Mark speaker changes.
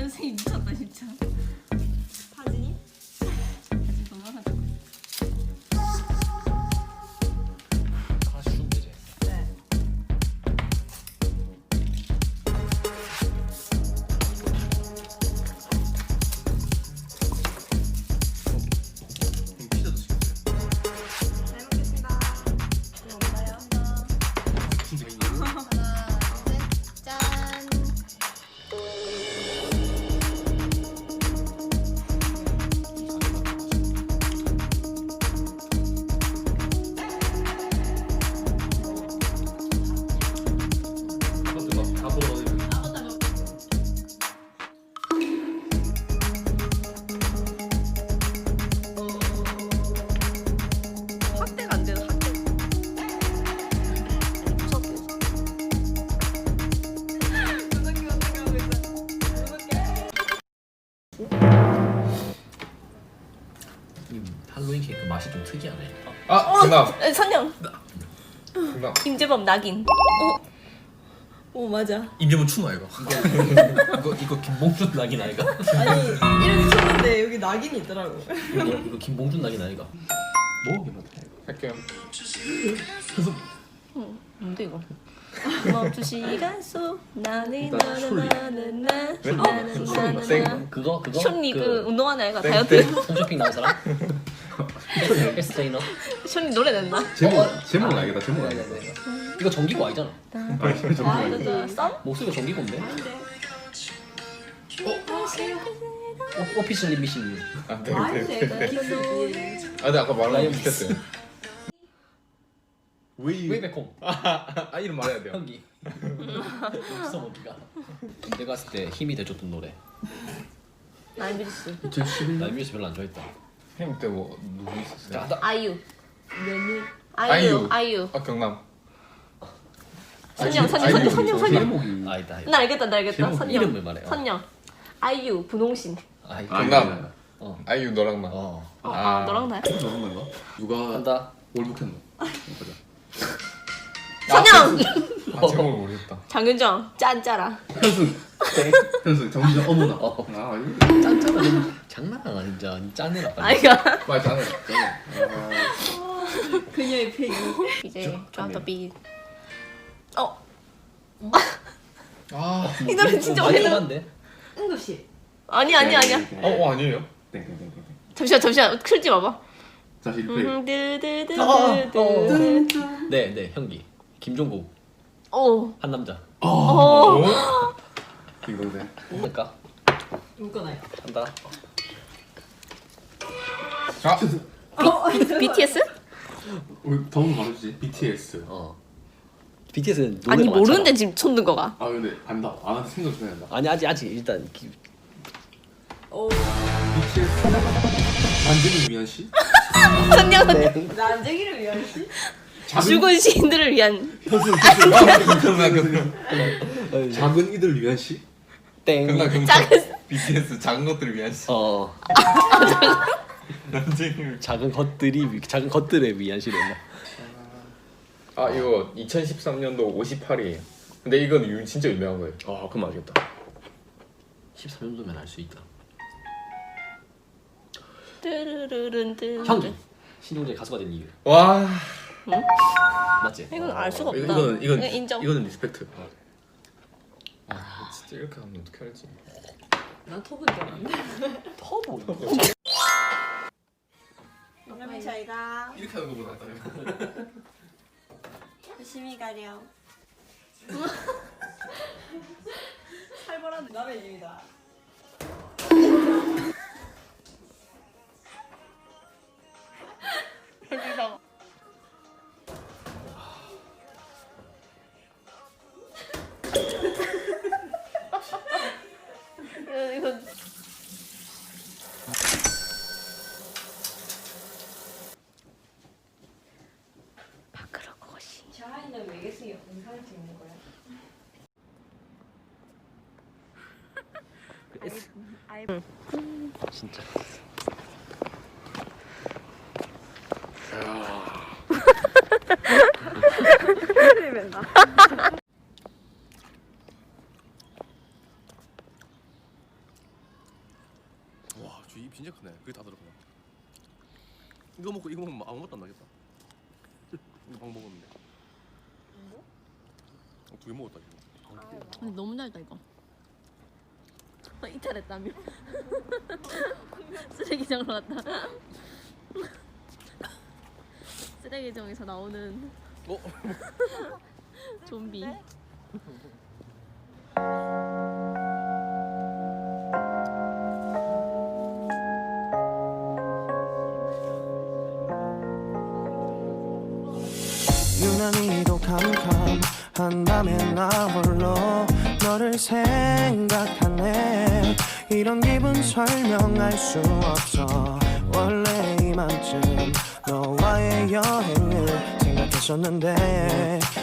Speaker 1: 선생님 미쳤다 진짜.
Speaker 2: 사진이?
Speaker 1: 사진 도망가자.
Speaker 3: 하나씩 주면 되지.
Speaker 2: 네.
Speaker 3: 피자도 시켰어요.
Speaker 2: 잘 먹겠습니다. 이거 없나요?
Speaker 3: 진짜
Speaker 1: 하나, 셋, 짠.
Speaker 3: 아무튼 막 밥으로 넣어야
Speaker 2: 확대가 안 돼요, 확대. 무섭게. 무섭게 하고 있어. 무섭게.
Speaker 3: 이 할로윈 케이크 맛이 좀 특이하네.
Speaker 4: 아, 정답.
Speaker 2: 선영.
Speaker 4: 정답.
Speaker 2: 임재범 낙인. 오 맞아.
Speaker 4: 임재범 추노 이거.
Speaker 3: 이거 김봉준 낙인 아이가?
Speaker 2: 아니 이름이 쳤는데 여기 낙인이 있더라고.
Speaker 3: 이거 김봉준 낙인 아이가? 뭐?
Speaker 4: 할게요.
Speaker 1: 뭔데 이거? 멈춘 시간 속 나는
Speaker 4: 일단 슐리.
Speaker 1: 나는
Speaker 4: 왜?
Speaker 1: 나는
Speaker 4: 슐리 땡.
Speaker 1: 나는
Speaker 3: 그거?
Speaker 1: 션리 그 운동하는 애가
Speaker 4: 땡,
Speaker 1: 다이어트.
Speaker 4: 땡.
Speaker 3: 홈쇼핑 나온 사람? 헬스 트레이너?
Speaker 1: 션리 노래 냈나?
Speaker 4: 제목은 알겠다. 제목은 알겠다.
Speaker 3: 이거 정기고 아니잖아.
Speaker 1: 아, 썸?
Speaker 3: 목소리가 정기고인데? 오피셜 미신.
Speaker 4: 아, 네, 네, 네. 아, 근데 아까 말한 거 비슷했어요.
Speaker 3: 웨이백홈.
Speaker 4: 아, 이름 말해야 돼요.
Speaker 3: 현기. 없어 어디가? 내가 봤을 때 힘이 돼줬던 노래.
Speaker 1: 나이비리스.
Speaker 4: 2011년.
Speaker 3: 나 뮤직 별로 안 좋아했다.
Speaker 4: 형 때 뭐 누구 있었어요?
Speaker 1: 아이유.
Speaker 4: 아이유.
Speaker 1: 아이유.
Speaker 4: 아, 경남.
Speaker 1: 선영, 선영,
Speaker 4: 아이유.
Speaker 1: 선영, 선영, 선영.
Speaker 4: 제목이
Speaker 3: 아니다.
Speaker 1: 나 알겠다, 나 알겠다.
Speaker 4: 제목
Speaker 1: 선영.
Speaker 3: 이름을 말해.
Speaker 1: 선영. 아이유, 분홍신.
Speaker 4: 경남.
Speaker 3: 어.
Speaker 4: 아이유 너랑 나.
Speaker 3: 어.
Speaker 1: 아, 너랑 나야?
Speaker 5: 너는 건가? 누가
Speaker 3: 한다.
Speaker 5: 월북했노?
Speaker 1: 선영.
Speaker 4: 아, 제목을 모르겠다.
Speaker 1: 장윤정. 짠짜라.
Speaker 5: 현수 정기적 어머나.
Speaker 3: 어.
Speaker 5: 아 이거
Speaker 3: 짠짜가 좀 장난 아니야 진짜. 짠해라 빨리.
Speaker 1: 아이가.
Speaker 4: 맞아.
Speaker 2: 그녀의 폐기.
Speaker 1: 이제 좀더 비.
Speaker 4: 아,
Speaker 1: 이 노래 진짜
Speaker 3: 많이
Speaker 1: 오래된.
Speaker 3: 떠난데?
Speaker 2: 응급실.
Speaker 1: 아니야.
Speaker 4: 아니에요?
Speaker 5: 땡땡땡땡.
Speaker 1: 잠시만. 틀지 마봐.
Speaker 5: 다시 리플레이.
Speaker 1: 드드드드드.
Speaker 3: 네 현기. 김종국
Speaker 1: 오.
Speaker 3: 한 남자.
Speaker 4: 오?
Speaker 5: 딩동대.
Speaker 3: 할까?
Speaker 2: 묶어놔요.
Speaker 3: 한다.
Speaker 4: 아,
Speaker 1: BTS?
Speaker 5: 우리 더운 거 말해주지. BTS.
Speaker 3: 어. BTS는 노래가
Speaker 1: 아니
Speaker 3: 많잖아.
Speaker 1: 모르는데 지금 손 든 거가.
Speaker 5: 아 근데 안다. 아 생각 좀 해야 된다.
Speaker 3: 아니 아직 일단
Speaker 2: 오.
Speaker 5: BTS. 반전을 위한 시?
Speaker 1: 선영.
Speaker 2: 난쟁이를 위한 시?
Speaker 1: 죽은 시인들을 위한.
Speaker 5: 작은 이들 위한 시?
Speaker 3: 땡.
Speaker 4: 경남.
Speaker 1: 작은.
Speaker 4: BTS 작은 것들을 위한 시.
Speaker 3: 어.
Speaker 4: 남쟁이를.
Speaker 3: 작은 것들에 위한 시였나?
Speaker 4: 아, 이거 2013년도 58이에요. 근데 이건 진짜 유명한 거예요.
Speaker 3: 아 그럼 알겠다. 13년도면 알 수 있다.
Speaker 1: 뜨르르른뜨.
Speaker 3: 현기. 신용재 가수가 된 이유.
Speaker 4: 와.
Speaker 3: 맞지?
Speaker 1: 이건 알 수가 없다.
Speaker 4: 이건
Speaker 1: 인정.
Speaker 4: 이거는 리스펙트. 아, 진짜 이렇게 하면 어떻게 할지.
Speaker 2: 난 톱은 줄 알았는데.
Speaker 3: 터보.
Speaker 2: 그러면 저희가
Speaker 4: 이렇게 하는 거보다 낫다.
Speaker 2: 열심히 가렴. 살벌한 남의 일입니다.
Speaker 1: 여기서. 이거 밖으로 고시.
Speaker 2: 샤이는 외계수이 영상을 찍는 거야?
Speaker 3: 진짜.
Speaker 6: 크네. 그게 다 들어가네. 이거 먹고 이거 먹으면 아무것도 안 나겠다. 이거 방 먹었는데. 두 개 먹었다 지금.
Speaker 1: 근데 너무 달다 이거. 이탈했다며. 쓰레기장으로 갔다. 쓰레기장에서 나오는 좀비.
Speaker 7: 유난히도 캄캄한 밤에 나 홀로 너를 생각하네. 이런 기분 설명할 수 없어. 원래 이맘쯤 너와의 여행을 생각했었는데